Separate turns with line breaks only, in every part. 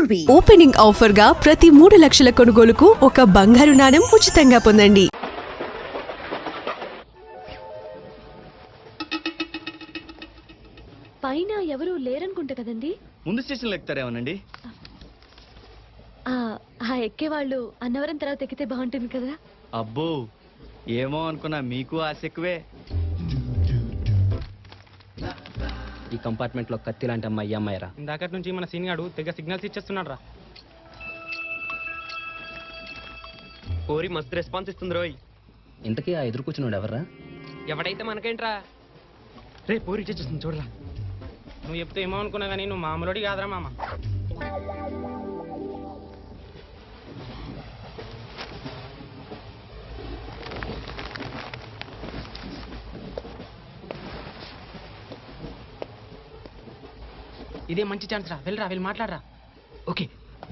Jewellery opening offer గా ప్రతి 3 లక్షల కొనుగోలుకు ఒక బంగారు నాణెం ఉచితంగా పొందండి.
పైన ఎవరు లేరనుకుంటా కదండి.
ముందు స్టేషన్లో ఎక్కుతారేమోనండి.
ఎక్కేవాళ్ళు అన్నవరం తర్వాత ఎక్కితే బాగుంటుంది కదా.
అబ్బో ఏమో అనుకున్నా, మీకు ఆశ ఎక్కువే.
ఈ కంపార్ట్మెంట్ లో కత్తి లాంటి అమ్మాయి అమ్మాయిరా.
ఇందాకటి నుంచి మన సీన్ గాడు తెగ సిగ్నల్స్ ఇచ్చేస్తున్నాడు రా.
కోరి మస్తు రెస్పాన్స్ ఇస్తుంది రోయ్. ఇంతకీ ఆ ఎదురు కూర్చున్నాడు ఎవర్రా?
ఎవడైతే మనకేంట్రా. రే పోరి ఇచ్చేస్తుంది చూడరా. నువ్వు చెప్తే ఏమో అనుకున్నా కానీ నువ్వు మామూలుడి కాదురా మామ. ఇదే మంచి ఛాన్స్ రా, వెళ్ళి మాట్లాడరా.
ఓకే.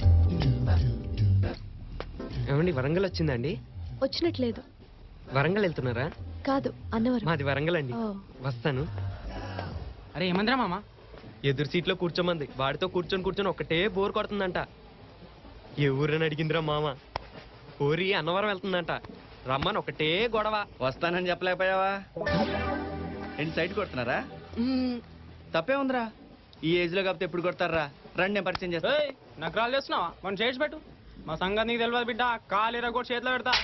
ఏమండి వరంగల్ వచ్చిందండి?
వచ్చినట్లేదు.
వరంగల్ వెళ్తున్నారా?
కాదు అన్నవరం.
మాది వరంగల్ అండి. వస్తాను.
అరే ఏమందిరా మామ?
ఎదురు సీట్లో కూర్చోమంది. వాడితో కూర్చొని ఒకటే బోర్ కొడుతుందంట. ఏ ఊరని అడిగిందిరా మామ. ఊరి అన్నవరం వెళ్తుందంట. రమ్మని ఒకటే గొడవ.
వస్తానని చెప్పలేకపోయావా? ఏంటి సైడ్ కొడుతున్నారా? తప్పే ఉందిరా. ఈ ఏజ్ లో కాకపోతే ఎప్పుడు కొడతారా? రండి నేను పరిచయం చేస్తా.
నగరాలు చేస్తున్నావా? మనం చేసి పెట్టు. మా సంగతి నీకు తెలియదు బిడ్డ. కాలేరా కూడా చేతిలో పెడతా.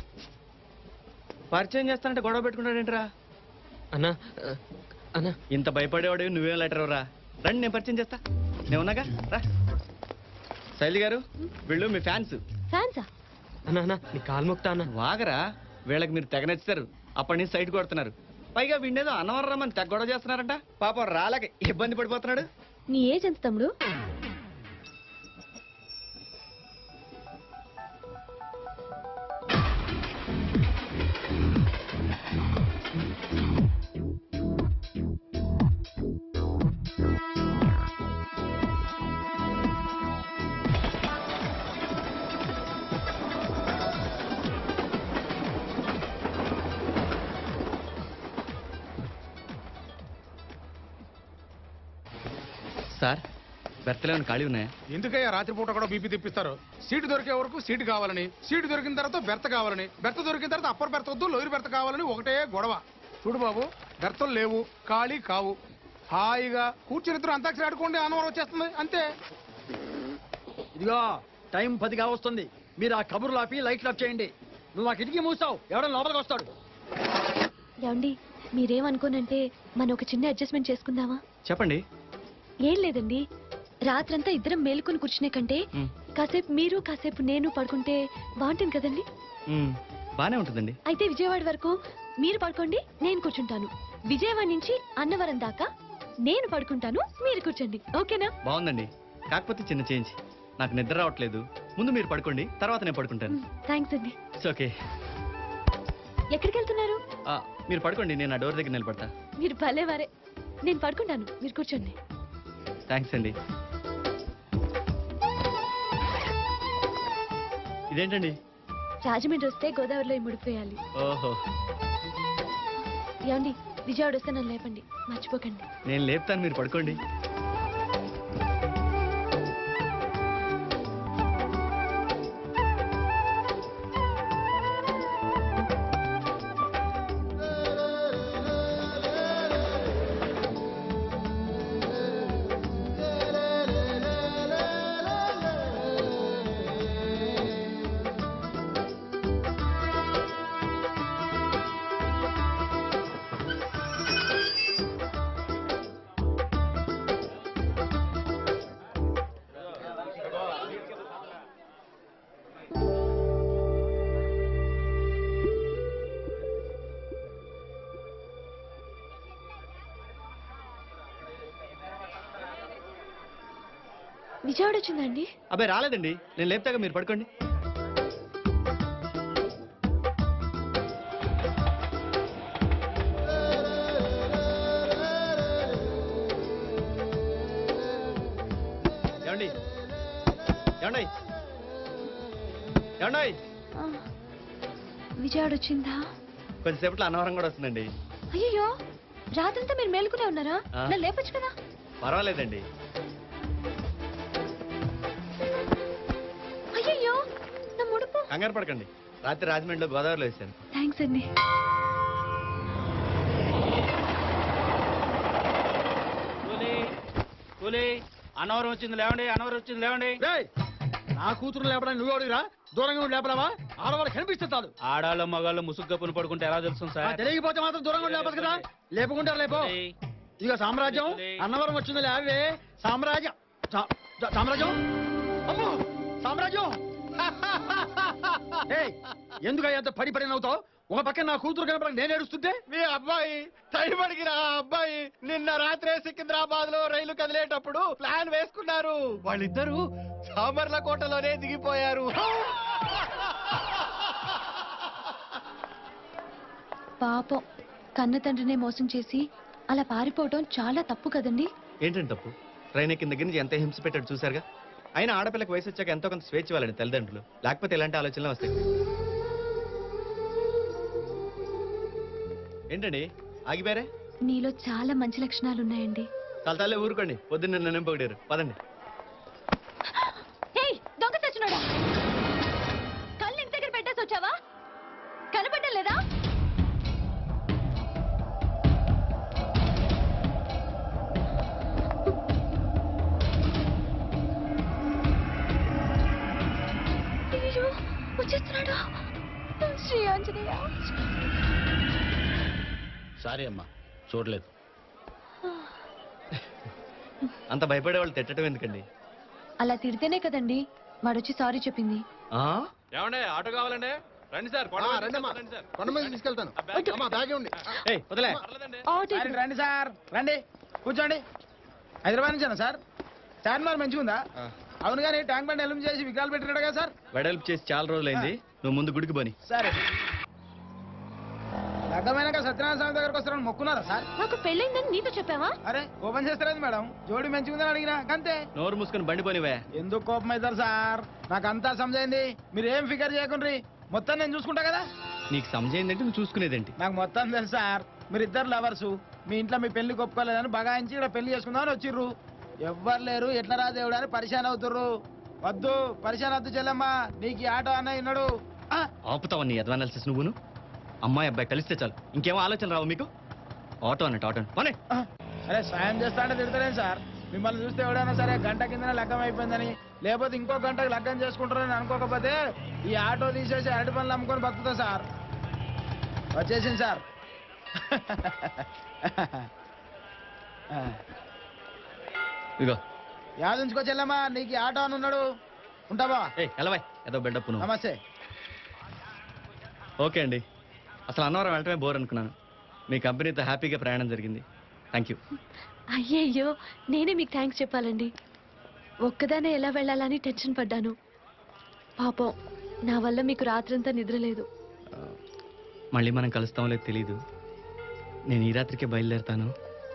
పరిచయం చేస్తానంటే గొడవ పెట్టుకుంటాడేంట్రా?
అన్నా అన్నా
ఇంత భయపడేవాడు నువ్వేం లెటర్ రా. రండి నేను పరిచయం చేస్తా. నేను ఉన్నాగా రా. శైలి గారు వీళ్ళు మీ ఫ్యాన్స్.
ఫ్యాన్సా?
అన్నా అన్నా నీ కాలు మొక్తా అన్న.
వాగరా, వీళ్ళకి మీరు తెగ నచ్చుతారు. అప్పటి నుంచి సైడ్ కొడుతున్నారు. పైగా వీడేదో అన్నవరం రమ్మని తెగ గొడవ చేస్తున్నారంట. పాపం రాలేక ఇబ్బంది పడిపోతున్నాడు.
నీ ఏజ్ ఎంత తమ్ముడు?
సార్ బెర్తలో ఖాళీ ఉన్నాయా?
ఎందుకయ్యా రాత్రిపూట కూడా బీపీ తెప్పిస్తారు? సీటు దొరికే వరకు సీటు కావాలని, సీటు దొరికిన తర్వాత బెర్త కావాలని, బెర్త దొరికిన తర్వాత అప్పర్ బెర్త వద్దు లోయర్ బెర్త కావాలని ఒకటే గొడవ. చూడు బాబు, బెర్తలు లేవు, ఖాళీ కావు. హాయిగా కూర్చుని ఇద్దరు అంతాక్షరి ఆడుకోండి, అన్నవరం వచ్చేస్తుంది అంతే.
ఇదిగో టైం 10 వస్తుంది. మీరు ఆ కబుర్లు ఆపి లైట్లు ఆఫ్ చేయండి. నువ్వు ఆ కిటికీ మూసావు, ఎవడో లోపలికి వస్తాడు.
ఏమండి మీరేమనుకోనంటే మనం ఒక చిన్న అడ్జస్ట్మెంట్ చేసుకుందామా?
చెప్పండి.
ఏం లేదండి, రాత్రంతా ఇద్దరం మేలుకొని కూర్చునే కంటే కాసేపు మీరు కాసేపు నేను పడుకుంటే బాగుంటుంది కదండి.
బానే ఉంటుందండి.
అయితే విజయవాడ వరకు మీరు పడుకోండి, నేను కూర్చుంటాను. విజయవాడ నుంచి అన్నవరం దాకా నేను పడుకుంటాను, మీరు కూర్చోండి. ఓకేనా?
బాగుందండి. కాకపోతే చిన్న చేంజ్. నాకు నిద్ర రావట్లేదు. ముందు మీరు పడుకోండి, తర్వాత నేను పడుకుంటాను.
థ్యాంక్స్ అండి.
ఓకే.
ఎక్కడికి వెళ్తున్నారు?
మీరు పడుకోండి, నేను ఆ డోర్ దగ్గర నిలబడతా.
మీరు భలేవారే. నేను పడుకుంటాను, మీరు కూర్చోండి.
థ్యాంక్స్ అండి. ఇదేంటండి?
రాజమండ్రి వస్తే గోదావరిలో ముడిపోయాలి.
ఓహో.
ఏమండి విజయవాడ వస్తే నన్ను లేపండి, మర్చిపోకండి.
నేను లేపుతాను, మీరు పడుకోండి.
విజయవాడ వచ్చిందండి?
అబ్బాయి రాలేదండి, నేను లేపుతాగా, మీరు పడుకోండి. ఏమండి ఏమండి ఏమండి
విజయవాడ వచ్చిందా?
కొద్దిసేపట్లో అన్నవరం కూడా వస్తుందండి.
అయ్యో రాత్రంతా మీరు మేలుకునే ఉన్నారా? నన్ను లేపొచ్చు కదా.
పర్వాలేదండి. కంగారు పడకండి, రాత్రి రాజమండ్రిలో గోదావరిలో వేసాను.
థ్యాంక్స్ అండి.
అన్నవరం వచ్చింది లేవండి, అన్నవరం వచ్చింది లేవండి.
రేయ్, నా కూతురు లేపడానికి నువ్వు అడిగిరా? దూరంగా ఉండి లేపడావా? ఆడవాళ్ళు కనిపిస్తే చాలు.
ఆడాళ్ళు మగాళ్ళు ముసుగ్గా పుని పడుకుంటే ఎలా తెలుసు సార్?
తెలియకపోతే మాత్రం దూరంగా ఉండి లేపదు కదా. లేపుకుంటారు లేపో. ఇక సామ్రాజ్యం అన్నవరం వచ్చింది లేవే. సామ్రాజ్యం సామ్రాజ్యం అమ్మో సామ్రాజ్యం. ఏయ్, ఎందుకు అంత పడి పడి నవ్వుతావు? ఒక పక్కన నా కూతురు కనపడక నేను ఏడుస్తుంటే
మీ అబ్బాయి టైండికి రా అబ్బాయి నిన్న రాత్రే సికింద్రాబాద్ లో రైలు కదిలేటప్పుడు ప్లాన్ వేసుకున్నారు. వాళ్ళిద్దరూ సామర్లకోటలోనే దిగిపోయారు.
పాపం కన్న తండ్రినే మోసం చేసి అలా పారిపోవటం చాలా తప్పు కదండి.
ఏంటంటే తప్పు? ట్రైన్ ఎక్కిన దగ్గర నుంచి ఎంత హింస పెట్టాడు చూసారుగా. అయినా ఆడపిల్లకి వయసు వచ్చాక ఎంతో కొంత స్వేచ్ఛ ఇవ్వాలండి తల్లిదండ్రులు, లేకపోతే ఇలాంటి ఆలోచనలు వస్తాయి. ఏంటండి ఆగిపోయారే?
నీలో చాలా మంచి లక్షణాలు ఉన్నాయండి.
తలతాలే ఊరుకోండి, పొద్దున్న నన్ను పొగిడారు. పదండి.
ఏయ్, దొంగ సచ్చినోడా, కళ్ళు ఇంటి దగ్గర పెట్టేసి వచ్చావా? కనపడడం లేదా? అయ్యో, వచ్చేస్తున్నాడు. శ్రీ ఆంజనేయ.
సారీ అమ్మా, చూడలేదు.
అంత భయపడే వాళ్ళు తిట్టడం ఎందుకండి?
అలా తిడితేనే కదండి వాడొచ్చి సారీ చెప్పింది.
ఏమండే ఆటో కావాలండి? రండి సార్,
కొండ మీద తీసుకెళ్తాను. అమ్మా, బ్యాగే ఉంది.
ఏయ్, వదిలే.
ఆటో
సార్, రండి సార్, రండి కూర్చోండి. హైదరాబాద్ నుంచేనా సార్? చార్మినార్ మంచిగా ఉందా? అవును కానీ ట్యాంక్ బండ్ ఎలుం చేసి విగ్రహాలు పెట్టినాడు కదా సార్.
వెడల్పు చేసి చాలా రోజులైంది, నువ్వు ముందు గుడికి పోని.
సరే, లగ్గమైనాక సత్యనారాయణ స్వామి దగ్గరకు వస్తారని మొక్కున్నారా సార్?
నాకు పెళ్ళైందని నీతో చెప్పావా?
అరే, కోపం చేస్తారేంది మేడం? జోడి మంచిగా ఉందని అడిగినా అంతే.
నోరు మూసుకొని బండి పోనివే.
ఎందుకు కోపం అవుతారు సార్? నాకు అంతా సమజైంది. మీరు ఏం ఫికర్ చేయకుండ్రి, మొత్తం నేను చూసుకుంటా కదా.
నీకు సమజైందంటే నువ్వు చూసుకునేదేంటి?
నాకు మొత్తం తెలుసు సార్. మీరు ఇద్దరు లవర్సు, మీ ఇంట్లో మీ పెళ్లి ఒప్పుకోలేదని బగాయించి ఇక్కడ పెళ్లి చేసుకుందామని వచ్చిర్రు. ఎవ్వరు లేరు, ఎట్లా రా దేవుడు అని పరిశాన్ అవుతుర్రు. వద్దు, పరిశాన్ వద్దు చెల్లెమ్మా. నీకు ఈ ఆటో అన్న విన్నాడు.
ఆపుతావని అడ్వానాలిసిస్ నువ్వును. అమ్మాయి అబ్బాయి కలిస్తే చాలు, ఇంకేమో ఆలోచన రావు మీకు. ఆటో అన్నట్టు ఆటో పోనీ.
అరే, సాయం చేస్తా అంటే తిడతారేం సార్? మిమ్మల్ని చూస్తే ఎవడైనా సరే గంట కిందనే లగ్గం అయిపోయిందని, లేకపోతే ఇంకో గంటకు లగ్గం చేసుకుంటారని అనుకోకపోతే ఈ ఆటో తీసేసి అరటి పనులు అమ్ముకొని బతుకుతా సార్. వచ్చేసింది సార్.
ఇగో
యాదుంచుకో చెల్లమ్మా, నీకు ఈ ఆటో అని ఉన్నాడు. ఉంటావా?
ఏ ఎలవాయ్, ఏదో బిల్డప్ నువ్వు.
నమస్తే.
ఓకే అండి, అసలు అన్నవరం వెళ్ళటమే బోర్ అనుకున్నాను. మీ కంపెనీతో హ్యాపీగా ప్రయాణం జరిగింది. Thank you.
అయ్యయ్యో, నేనే మీకు థ్యాంక్స్ చెప్పాలండి. ఒక్కదానే ఎలా వెళ్ళాలని టెన్షన్ పడ్డాను. పాపం నా వల్ల మీకు రాత్రంతా నిద్ర లేదు.
మళ్ళీ మనం కలుస్తామో లేదు తెలీదు. నేను ఈ రాత్రికే బయలుదేరుతాను.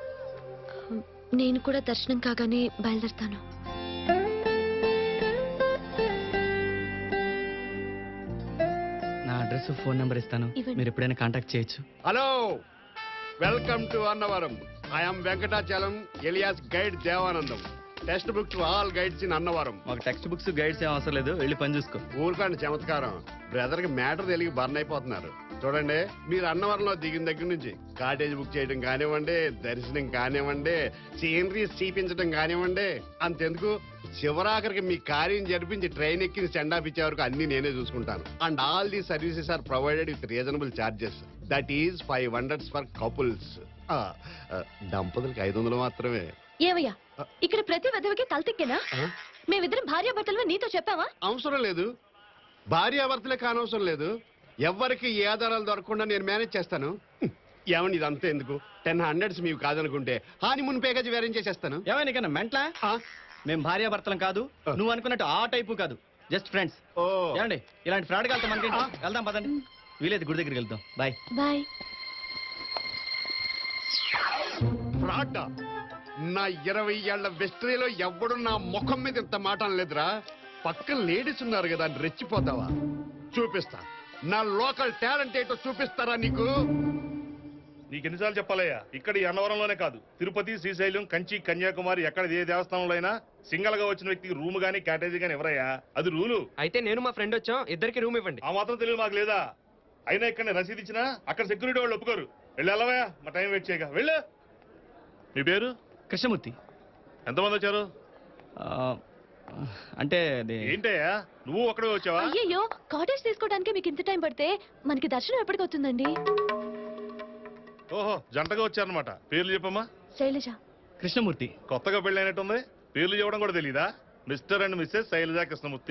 నేను కూడా దర్శనం కాగానే బయలుదేరుతాను.
నా అడ్రస్ ఫోన్ నెంబర్ ఇస్తాను,
ఇవ్వండి.
మీరు ఎప్పుడైనా కాంటాక్ట్ చేయొచ్చు.
Hello, welcome to Annavaram. I'm Venkatachalam alias guide Devanandam. Text book to all guides in Annavaram.
మాకు టెక్స్ట్ బుక్స్ గైడ్స్ ఏం అవసరం లేదు, వెళ్ళి పని చూసుకో.
ఊరుకోండి చమత్కారం. బ్రదర్ కి మ్యాటర్ తెలియ బర్న్ అయిపోతున్నారు. చూడండి, మీరు అన్నవరంలో దిగిన దగ్గర నుంచి కాటేజ్ బుక్ చేయడం కానివ్వండి, దర్శనం కానివ్వండి, సీనరీస్ చూపించడం కానివ్వండి, అంతెందుకు చివరాఖరికి మీ కార్యం జరిపించి ట్రైన్ ఎక్కి సెండ్ ఆఫ్ ఇచ్చే వరకు అన్ని నేనే చూసుకుంటాను. And all the services are provided with reasonable charges. That is 500 for couples. దంపతులకి 500 మాత్రమే.
ఏవయ్యా, ఇక్కడ ప్రతి విధవకి కల్తిక్కేనా? మేమిద్దరం భార్యాభర్తలు నీతో చెప్పావా?
అవసరం లేదు, భార్యాభర్తలే కానవసరం లేదు. ఎవరికి ఏ ఆధారాలు దొరకకుండా నేను మేనేజ్ చేస్తాను. ఏమని ఇదంతా ఎందుకు? 1000 మీకు కాదనుకుంటే హానిమూన్ ప్యాకేజ్ వేరేం చేసేస్తాను.
ఏమైనా కన్నా మెంట్లా? మేము భార్యాభర్తలం కాదు, నువ్వు అనుకున్నట్టు ఆ టైపు కాదు, జస్ట్ ఫ్రెండ్స్.
ఓ,
ఏమండి ఇలాంటి ఫ్రాడ్ వెళ్తాం మనకి. వెళ్దాం పదండి, వీలేదు గుడి దగ్గరికి వెళ్దాం. Bye
bye.
ఫ్రాడ్? నా 20 ఏళ్ల వెస్ట్రీలో ఎవ్వడు నా ముఖం మీద ఇంత మాట అనలేదురా. పక్కన లేడీస్ ఉన్నారు కదా అని రెచ్చిపోతావా? చూపిస్తా, నా లోకల్ టాలెంట్ ఏంటో చూపిస్తారా నీకు?
నీకెన్నిసార్లు చెప్పాలయ్యా, ఇక్కడ ఈ అన్నవరంలోనే కాదు, తిరుపతి, శ్రీశైలం, కంచి, కన్యాకుమారి ఎక్కడ ఏ దేవస్థానంలో అయినా సింగల్ గా వచ్చిన వ్యక్తికి రూమ్ గానీ క్యాటేజీ గానీ ఎవరయ్యా, అది రూలు.
అయితే నేను మా ఫ్రెండ్ వచ్చాం, ఇద్దరికి రూమ్ ఇవ్వండి.
ఆ మాత్రం తెలియదు మాకు లేదా? అయినా ఇక్కడ రసీదు ఇచ్చినా అక్కడ సెక్యూరిటీ వాళ్ళు ఒప్పుకోరు. వెళ్ళవయ్యా, మా టైం వెయిట్ చేయగా వెళ్ళు. మీ పేరు?
కృష్ణమూర్తి.
ఎంతమంది వచ్చారు?
అంటే
ఏంటయ్యా నువ్వు ఒక్కడే వచ్చావా?
అయ్యయ్యో, కాటేజ్ తీసుకోవడానికి మీకు ఇంత టైం పడితే మనకి దర్శనం ఎప్పటికి అవుతుందండి?
ఓహో, జంటగా వచ్చారనమాట. పేర్లు చెప్పమ్మా.
శైలజ.
కృష్ణమూర్తి.
కొత్తగా పెళ్ళైనట్టుంది, పేర్లు చెప్పడం కూడా తెలీదా? Mr and Mrs Shailaja Krishnamurthy.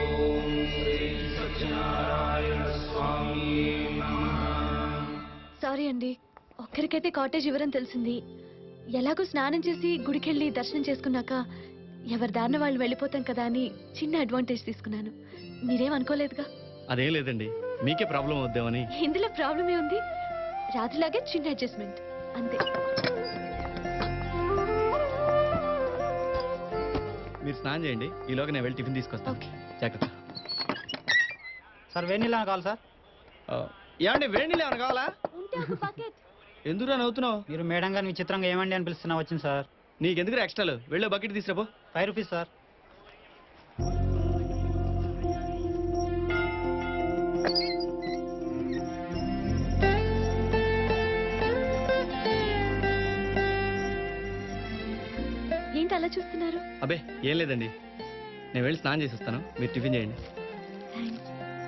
Sorry అండి, ఒక్కరికైతే కాటేజ్ ఇవ్వరని తెలిసింది. ఎలాగో స్నానం చేసి గుడికెళ్ళి దర్శనం చేసుకున్నాక ఎవరి దారిన వాళ్ళు వెళ్ళిపోతాం కదా అని చిన్న అడ్వాంటేజ్ తీసుకున్నాను. మీరేం అనుకోలేదుగా?
అదేం లేదండి, మీకే ప్రాబ్లం అవుద్దామని.
ఇందులో ప్రాబ్లమే ఉంది, రాత్రిలాగే చిన్న అడ్జస్ట్మెంట్ అంతే.
మీరు స్నానం చేయండి, ఈలోగా నేను వెళ్ళి టిఫిన్ తీసుకొస్తాను.
ఓకే.
జాగ్రత్త.
సార్ వేడి నీళ్ళు కావాలి సార్.
ఏమండి వేడి నీళ్ళు ఏమైనా కావాలా?
ఉంటే ఒక బకెట్.
ఎందుకురా నవ్వుతున్నావు?
మీరు మేడం గారిని విచిత్రంగా ఏమండి అని పిలుస్తున్నా వచ్చింది సార్.
నీకెందుకు ఎక్స్ట్రాలు? వెళ్ళే బకెట్ తీసుకురాపో.
5 rupees sir.
ఏంటి అలా చూస్తున్నారు?
అబ్బే ఏం లేదండి, నేను వెళ్ళి స్నానం చేసి వస్తాను, మీరు టిఫిన్ చేయండి.
థ్యాంక్స్.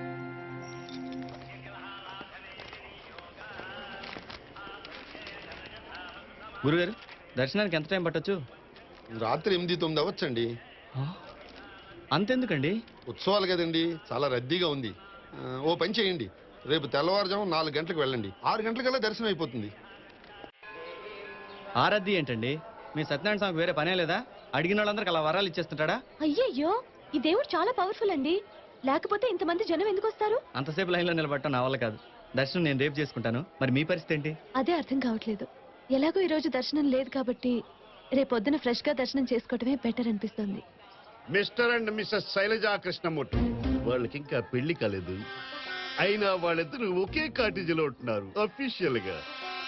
గురుగారు, దర్శనానికి ఎంత టైం పట్టొచ్చు?
రాత్రి 8-9 అవ్వచ్చండి.
అంతెందుకండి?
ఉత్సవాలు కదండి, చాలా రద్దీగా ఉంది. ఓ పని చేయండి, రేపు తెల్లవారుజాము 4 గంటలకు వెళ్ళండి, 6 గంటలకల్లా దర్శనం అయిపోతుంది.
ఆరద్ది ఏంటండి? మీ సత్యనారాయణ స్వామికి వేరే పనే లేదా? అడిగిన వాళ్ళందరికి అలా వరాలు ఇచ్చేస్తుంటాడా?
అయ్యయ్యో, ఈ దేవుడు చాలా పవర్ఫుల్ అండి, లేకపోతే ఇంతమంది జనం ఎందుకు వస్తారు?
అంతసేపు లైన్లో నిలబడటం నా వల్ల కాదు. దర్శనం నేను రేపు చేసుకుంటాను, మరి మీ పరిస్థితి ఏంటి?
అదే అర్థం కావట్లేదు. ఎలాగో ఈ రోజు దర్శనం లేదు కాబట్టి రేపొద్దున ఫ్రెష్ గా దర్శనం చేసుకోవటమే బెటర్ అనిపిస్తుంది.
Mr and Mrs Shailaja Krishnamurthy, వాళ్ళకి ఇంకా పెళ్లి కాలేదు, అయినా వాళ్ళిద్దరూ ఒకే కాటేజీలో ఉంటున్నారు అఫీషియల్ గా.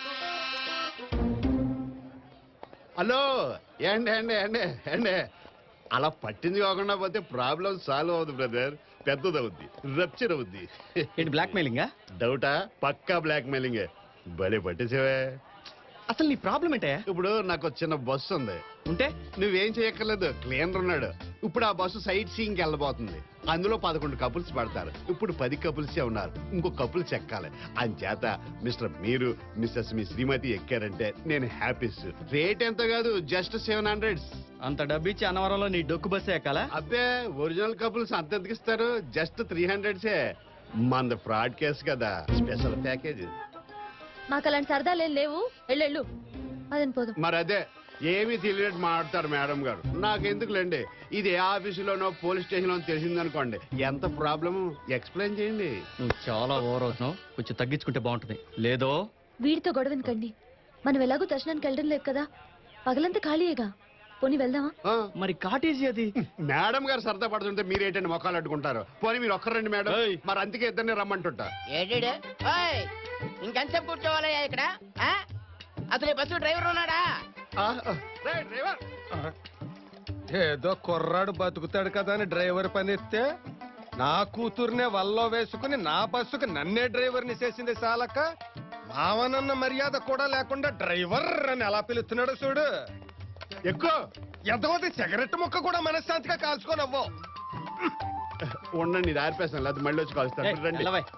హలో, ఏండి ఏండి ఏండి ఏండి, అలా పట్టింది కాకుండా పోతే ప్రాబ్లం సాల్వ్ అవుద్ది బ్రదర్, పెద్దదవుద్ది, రప్చర్ అవుద్ది.
ఏంటి బ్లాక్ మెయిలింగా?
డౌటా? పక్కా బ్లాక్ మెయిలింగ్. భలే పట్టేసేవే.
అసలు నీ ప్రాబ్లం ఏంటే?
ఇప్పుడు నాకు ఒక చిన్న బస్సు ఉంది,
ఉంటే
నువ్వేం చేయక్కర్లేదు, క్లీనర్ ఉన్నాడు. ఇప్పుడు ఆ బస్సు సైట్ సీయింగ్ వెళ్ళబోతుంది, అందులో 11 కపుల్స్ పడతారు, ఇప్పుడు 10 కపుల్సే ఉన్నారు, ఇంకో కపుల్ చెక్కాలి. అంచేత మిస్టర్ మీరు మిస్సెస్ మీ శ్రీమతి ఎక్కారంటే నేను హ్యాపీస్. రేట్ ఎంత కాదు, జస్ట్ 700.
అంత డబ్బు ఇచ్చి అన్నవరంలో నీ డొక్కు బస్సే ఎక్కాలా?
అబ్బే, ఒరిజినల్ కపుల్స్ అంతెందుకు ఇస్తారు, జస్ట్ 300. మంద ఫ్రాడ్ కేసు కదా, స్పెషల్ ప్యాకేజ్.
మాకు అలాంటి సరదాలేం లేవు, వెళ్ళు అదని పోదాం.
మరి అదే ఏమీ తెలియనట్టు మాట్లాడతారు మేడం గారు. నాకెందుకులేండి, ఇది ఏ ఆఫీసులోనో పోలీస్ స్టేషన్ లో తెలిసిందనుకోండి, ఎంత ప్రాబ్లము ఎక్స్ప్లెయిన్ చేయండి.
నువ్వు చాలా ఓవర్ అవుతున్నావు, కొంచెం తగ్గించుకుంటే బాగుంటుంది. లేదో
వీడితో గొడవ ఎందుకండి, మనం ఎలాగో దర్శనానికి వెళ్ళడం లేదు కదా, పగలంతా ఖాళీయేగా, పోనీ వెళ్దామా?
ఆ,
మరి కాటేజీ అది.
మేడం గారు సరదా పడుతుంటే మీరేంటండి మొక్కలు అడ్డుకుంటారు? పోనీ మీరు ఒక్కరండి మేడం, మరి అందుకే ఇద్దరిని రమ్మంటుంటా.
ఏడు ఇంకెంతసేపు కూర్చోవాలయ్యా ఇక్కడ? ఆ? అసలు ఈ బస్సు డ్రైవర్ ఉన్నాడా?
రేయ్, డ్రైవర్.
ఏదో కుర్రాడు బతుకుతాడు కదా అని డ్రైవర్ పని ఇస్తే నా కూతుర్నే వల్లో వేసుకుని నా బస్సుకు నన్నే డ్రైవర్ని చేసింది చాలక, మావనన్న మర్యాద కూడా లేకుండా డ్రైవర్ అని ఎలా పిలుస్తున్నాడు చూడు.
ఎక్కువ
ఎంతమంది సిగరెట్ ముక్క కూడా మనశ్శాంతిగా కాల్చుకోనవ్వు.
ఉండండి, ఇది ఆర్పేస్తాను, లేదా మళ్ళీ వచ్చి కలుస్తాను. రండి.